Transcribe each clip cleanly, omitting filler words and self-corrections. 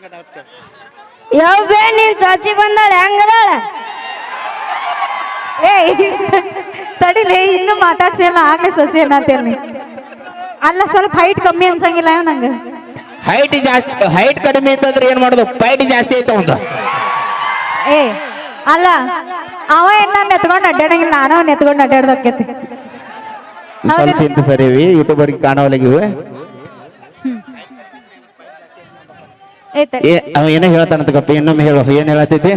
ಯಾವ ಬೇ ನೀನ್ ಚಾಚಿ ಬಂದಾಳ ಹೆಂಗದಾಳ ಏ ತಡಿಲೇ ಇನ್ನು ಮಾತಾಡ್ಸಿಲ್ಲ ಆಗ್ಲೇ ಸಸಿ ಅನ್ನತ್ತೇನಿ ಅಲ್ಲ ಸ್ವಲ್ಪ ಹೈಟ್ ಕಮ್ಮಿ ಅನ್ಸಂಗಿಲ್ಲ ನಂಗೆ ಹೈಟ್ ಜಾಸ್ತಿ ಹೈಟ್ ಕಡಿಮೆ ಅಂತಂದ್ರೆ ಏನ್ ಮಾಡೋದು ಪೈಟ್ ಜಾಸ್ತಿ ಐತ ಒಂದು ಏ ಅಲ್ಲ ಅವ ಏನ್ ನಾನು ಎತ್ಕೊಂಡು ಅಡ್ಡಾಡಂಗಿಲ್ಲ ನಾನು ಎತ್ಕೊಂಡು ಅಡ್ಡಾಡ್ದಕ್ಕೈತಿ ಸ್ವಲ್ಪ ಇಂತ ಸರಿವಿ ಯೂಟ್ಯೂಬರ್ಗೆ ಕಾಣವಲ್ಲಿಗಿವೆ ಏ ಅವ ಏನೋ ಹೇಳ್ತಾನಂತ ಗಪ್ಪ ಇನ್ನೊಮ್ಮೆ ಹೇಳು ಏನ್ ಹೇಳತ್ತೈತಿ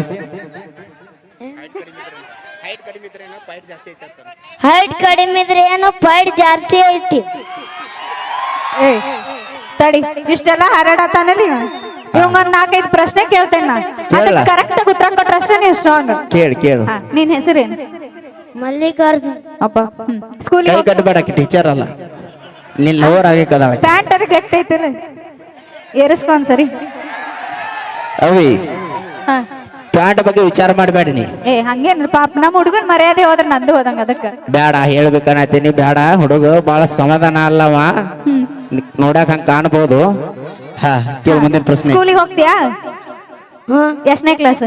ಹೈಟ್ ಕಡಿಮೆ ಇದ್ರೆ ಏನೋ ಪೈಟ್ ಜಾಸ್ತಿ ಐತಿ ಏ ತಡಿ ಇಷ್ಟೆಲ್ಲ ಹರಡತಾನಲ್ಲಿ ಇವಂಗೊಂದ್ 4-5 ಪ್ರಶ್ನೆ ಕೇಳ್ತೇನೆ ನಾ ಅದಕ್ಕೆ ಕರೆಕ್ಟ್ ಆಗಿ ಉತ್ತರ ಕೊಟ್ರಷ್ಟೇ ನೀವು ಸ್ಟ್ರಾಂಗ್ ಕೇಳು ನಿನ್ ಹೆಸರೇನು ಮಲ್ಲಿಕಾರ್ಜುನ್ ಅಪ್ಪ ಸ್ಕೂಲಿಗೆ ಕೈ ಕಟ್ಟಬೇಡಕ್ಕೆ ಟೀಚರ್ ಅಲ್ಲ ನಿನ್ ಲವರ್ ಆಗಿ ಕದಾಳ ಪ್ಯಾಂಟ್ ಅರ ಗಟ್ಟಿ ಐತಿಲ್ಲ ಏರಿಸ್ಕೊ ಒಂದ್ಸರಿ ಅವಿ ಹಾ ಪ್ಯಾಂಟ್ ಬಗ್ಗೆ ವಿಚಾರ ಮಾಡಬೇಡಿ ನೀ ಏ ಹಂಗೇನ್ರಿ ಪಾಪ ನಮ್ಮ ಹುಡುಗನ್ ಮರ್ಯಾದೆ ಹೋದ್ರ ನಂದು ಹೋದಂಗ ಅದಕ್ಕ ಬೇಡ ಹೇಳ್ಬೇಕನ್ನತೀನಿ ಬೇಡ ಹುಡುಗ ಬಹಳ ಸಮಾಧಾನ ಅಲ್ಲವ ನೋಡಕ್ ಹಂಗ ಕಾಣ್ಬೋದು ಹಾ ಕೇಳು ಮುಂದಿನ ಪ್ರಶ್ನೆ ಸ್ಕೂಲಿಗೆ ಹೋಗ್ತೀಯಾ ಎಷ್ಟನೇ ಕ್ಲಾಸ್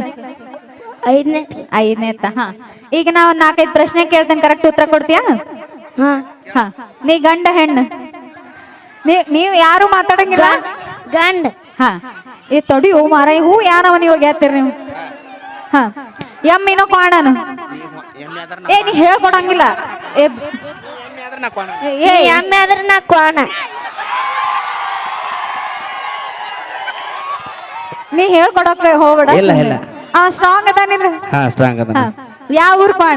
ಐದನೇ ಹಾ ಈಗ ನಾ ಒಂದ್ 4-5 ಪ್ರಶ್ನೆ ಕೇಳ್ತೇನೆ ಕರೆಕ್ಟ್ ಉತ್ತರ ಕೊಡ್ತೀಯಾ ಹಾ ಹಾ ನೀ ಗಂಡ ಹೆಣ್ಣು ನೀವ್ ಯಾರು ಮಾತಾಡಂಗಿಲ್ಲ ಗಂಡ ಹಾ ಈ ತೊಡಿ ಹೂ ಮಾರ ಹೂ ಯಾನವ ನೀವು ಹೋಗ್ಯಾತ್ತೀರಿ ನೀವು ಹಾ ಎಮ್ಮಿನೋ ಕ್ವಾಣನು ಏ ನೀ ಹೇಳ್ಕೊಡಂಗಿಲ್ಲ ಏ ಎಮ್ಮೆ ಆದ್ರೆ ನಾ ಕ್ವಾಣ ನೀ ಹೇಳ್ಕೊಡಕ್ ಹೋಗ್ಬೇಡ ಇಲ್ಲ. ಸ್ಟ್ರಾಂಗ್ ಅದಾನಿಲ್ಲ ಹಾ ಸ್ಟ್ರಾಂಗ್ ಅದ ಯಾವ ಊರ್ ಕ್ವಾಣ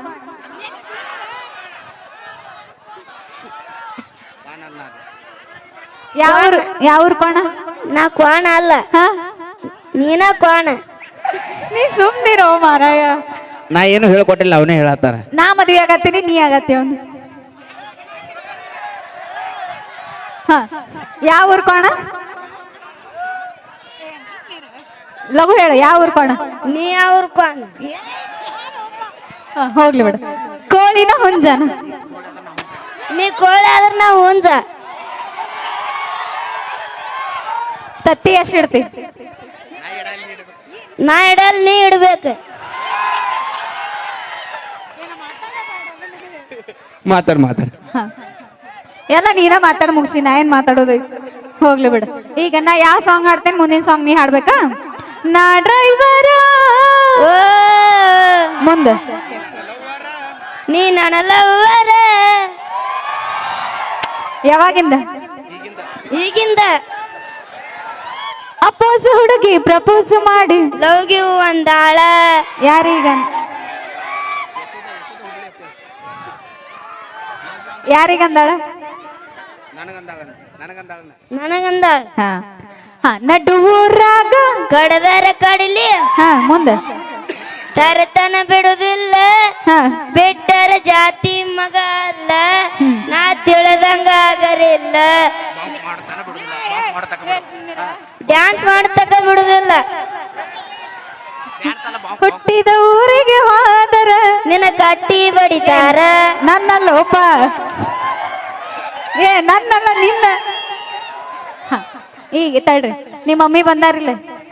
ಯಾವ ಊರ್ ಕ್ವಾಣ ನಾ ಕ್ವಾಣ ಅಲ್ಲ ಹಾ ನೀನ ಕ್ವಾಣ ನೀ ಸುಮ್ನಿರೋ ಮಾರಾಯ ನಾ ಏನು ಹೇಳ್ಕೊಟ್ಟಿಲ್ಲ ಅವನೇ ಹೇಳತ್ತಾನ ನಾ ಮದ್ವೆ ಆಗತ್ತೀನಿ ನೀ ಆಗತ್ತೆ ಅವನು ಹಾ ಯಾವ ಊರ್ ಕ್ವಾಣ ಲಘು ಹೇಳ ಯಾವ ಊರ್ ಕ್ವಾಣ ನೀ ಅವ್ರ ಕ್ವಾಣ ಹೋಗ್ಲಿ ಬಿಡ ಕೋಳಿನ ಹುಂಜನ ನೀ ಕೋಳಿ ಆದ್ರೆ ನಾ ಹುಂಜ ತತ್ತಿ ಎಷ್ಟು ಇಡ್ತಿ ನಾ ಇಡಲ್ ನೀ ಇಡ್ಬೇಕು ಮಾತಾಡ್ ಎಲ್ಲ ನೀನ ಮಾತಾಡ ಮುಗಿಸಿ ನಾ ಏನ್ ಮಾತಾಡೋದು ಹೋಗ್ಲಿ ಬಿಡ ಈಗ ನಾ ಯಾವ ಸಾಂಗ್ ಹಾಡ್ತೇನೆ ಮುಂದಿನ ಸಾಂಗ್ ನೀ ಹಾಡ್ಬೇಕಾ ನಾ ಡ್ರೈವರ ಮುಂದೆ ನೀ ನನ್ನ ಲವ್ವರ ಯಾವಾಗಿಂದ ಈಗಿಂದ ಅಪ್ಪೋಸ್ ಹುಡುಗಿ ಪ್ರಪೋಸ್ ಮಾಡಿ ಲವ್ಗೆ ಒಂದಾಳ ಯಾರಿಗಂದಾಳ ನನಗಂದಾಳ ಹಾ ಹಾ ನಡುವೂರಾಗ ಕಡದರ ಕಡಿಲಿ ಹಾ ಮುಂದೆ ತರತನ ಬಿಡುದಿಲ್ಲ ಹಾ ಬಿಟ್ಟರ ಜಾತಿ ಮಗ ಅಲ್ಲ ನಾ ತಿಳಿದಂಗ ಆಗರಿಲ್ಲ ಡ್ಯಾನ್ಸ್ ಮಾಡ್ತಕ ಬಿಡುದಿಲ್ಲ ಹುಟ್ಟಿದ ಊರಿಗೆ ಹೋದರ ನಿನ್ನ ಕಟ್ಟಿ ಬಡಿತಾರ ನನ್ನ ಲೋಪ ನನ್ನಲ್ಲ ನಿನ್ನ ಈಗ ತಡ್ರಿ ನಿಮ್ಮ ಮಮ್ಮಿ ಬಂದಾರಿಲ್ಲ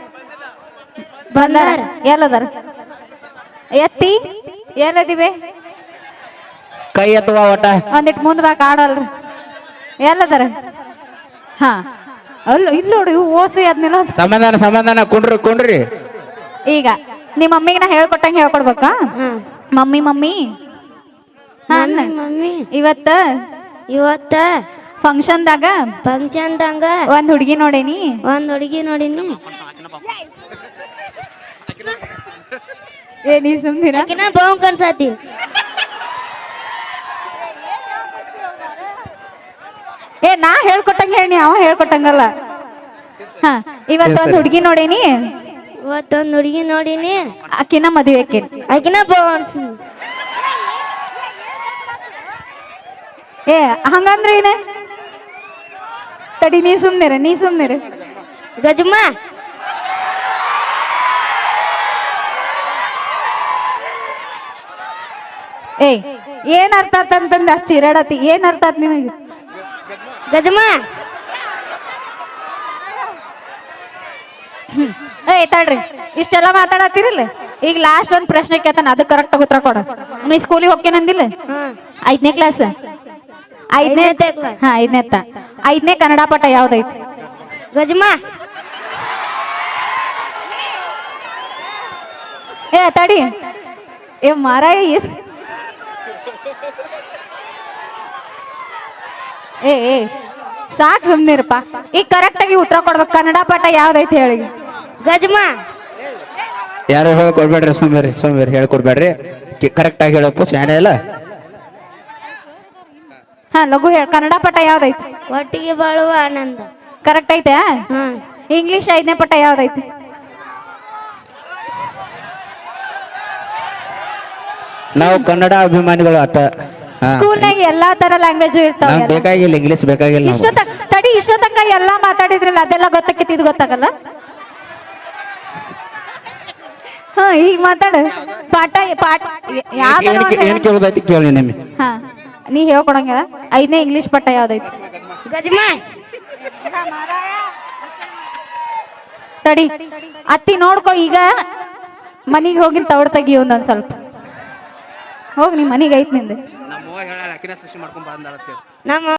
ಬಂದಾರ ಎಲ್ಲದಾರ ಎತ್ತಿ ಎಲ್ಲದಿವೆ ಕೈ ಎತ್ತುವ ಒಟ್ಟ ಒಂದಿಟ್ಟು ಮುಂದ್ ಬಾಕ್ ಆಡಲ್ರಿ ಎಲ್ಲದಾರ ಹಾ ಅಲ್ಲ ಇಲ್ಲ ನೋಡಿ ಓಸು ಅದ್ನಿಲ್ಲ ಸಮಾಧಾನ ಕುಂಡ್ರಿ ಈಗ ನಿಮ್ಮ ಮಮ್ಮಿಗೆ ನಾ ಹೇಳ್ಕೊಟ್ಟಂಗೆ ಹೇಳ್ಕೊಡ್ಬೇಕಾ ಮಮ್ಮಿ ಮಮ್ಮಿ ಇವತ್ತ ಫಂಕ್ಷನ್ದಾಗ ಒಂದ್ ಹುಡುಗಿ ನೋಡೇನಿ ನೀ ಸುಮ್ನಿರ ಬಾವು ಕನ್ಸಾತಿ ನಾ ಹೇಳ್ಕೊಟ್ಟಂಗ ಹೇಳಿ ಅವ ಹೇಳ್ಕೊಟ್ಟಂಗಲ್ಲ ಹಾ ಇವತ್ತೊಂದ್ ಹುಡುಗಿ ನೋಡೇನಿ ಆಕಿನ ಮದುವೆ ಆಕಿನ ಬಾವು ಅನ್ಸ ಹಂಗಂದ್ರೆ ಏನ ತಡಿ ನೀ ಸುಮ್ನಿರ ಗಜಮ್ಮ ಏನ್ ಅರ್ಥ ಆತಂತಂದ ಅಷ್ಟ್ ಚಿರಾಡತಿ ಏನ್ ಅರ್ಥ ಆತ್ ನಿನಗೆ ಗಜಮ್ಮ ಏಯ್ ತಡ್ರಿ ಇಷ್ಟೆಲ್ಲ ಮಾತಾಡತ್ತೀರಿಲ್ಲ ಈಗ ಲಾಸ್ಟ್ ಒಂದ್ ಪ್ರಶ್ನೆ ಕೇಳ್ತಾನ ಅದು ಕರೆಕ್ಟ್ ಉತ್ತರ ಕೊಡ ನೀ ಸ್ಕೂಲಿಗೆ ಹೋಗ್ತೇನಂದಿಲ್ಲ 5ನೇ ಕ್ಲಾಸ್ 5ನೇ ಹಾ 5ನೇ ಕನ್ನಡ ಪಾಠ ಯಾವ್ದೈತಿ ಗಜಮಾ ಏ ತಡಿ ಏ ಮಾರಾಯ ಏ ಸಾಕ್ ಸುಮ್ನಿರಪ್ಪ ಈಗ ಕರೆಕ್ಟ್ ಆಗಿ ಉತ್ತರ ಕೊಡ್ಬೇಕು ಕನ್ನಡ ಪಾಠ ಯಾವ್ದೈತಿ ಹೇಳಿ ಗಜಮಾ ಯಾರು ಹೇಳ್ಕೊಡ್ಬೇಡ್ರಿ ಸೋಮ್ಯಾರಿ ಹೇಳ್ಕೊಡ್ಬೇಡ್ರಿ ಕರೆಕ್ಟ್ ಆಗಿ ಹೇಳಪ್ಪ ಶಾಣೆ ಇಲ್ಲ ಹಾ ಲಘು ಹೇಳ ಕನ್ನಡ ಪಾಠ ಯಾವ್ದೈತಿ ಒಟ್ಟಿಗೆ ಬಾಳುವ ಆನಂದ ಕರೆಕ್ಟ್ ಐತೆ ಹಾ ಇಂಗ್ಲಿಷ್ 5ನೇ ಪಾಠ ಯಾವ್ದೈತಿ ನಾವು ಕನ್ನಡ ಅಭಿಮಾನಿಗಳು ಅಟ್ಟ ಸ್ಕೂಲ್ನಾಗ ಎಲ್ಲಾ ತರ ಲ್ಯಾಂಗ್ವೇಜ್ ಇರ್ತಾವ ನಮ್ಗೆ ಬೇಕಾಗಿಲ್ಲ ಇಂಗ್ಲಿಷ್ ಬೇಕಾಗಿಲ್ಲ ನಮ್ಗೆ. ಇಷ್ಟೊತ್ತಕ್ಕ ಎಲ್ಲಾ ಮಾತಾಡಿದ್ರಲ್ಲ ಅದೆಲ್ಲ ಗೊತ್ತಾಕೈತಿ ಇದು ಗೊತ್ತಾಗಲ್ಲ ಹಾ ಈಗ ಮಾತಾಡು ಪಾಠ ಏನ್ ಕೇಳೋದೈತಿ ಕೇಳಿ ನಿಮಗೆ ಹಾ ನೀ ಹೇಳ್ಕೊಡಂಗ 5ನೇ ಇಂಗ್ಲಿಷ್ ಪಾಠ ಯಾವ್ದೈತಿ ಗಜಮಾ ತಡಿ ಅತ್ತಿ ನೋಡ್ಕೊ ಈಗ ಮನಿಗೆ ಹೋಗಿ ತವಡ್ ತೆಗಿ ಒಂದೊಂದ್ ಸ್ವಲ್ಪ ಹೋಗಿ ನಿಮ್ ಮನಿಗೆ ಐತ್ ನಿಂದು ನಮ್ಮ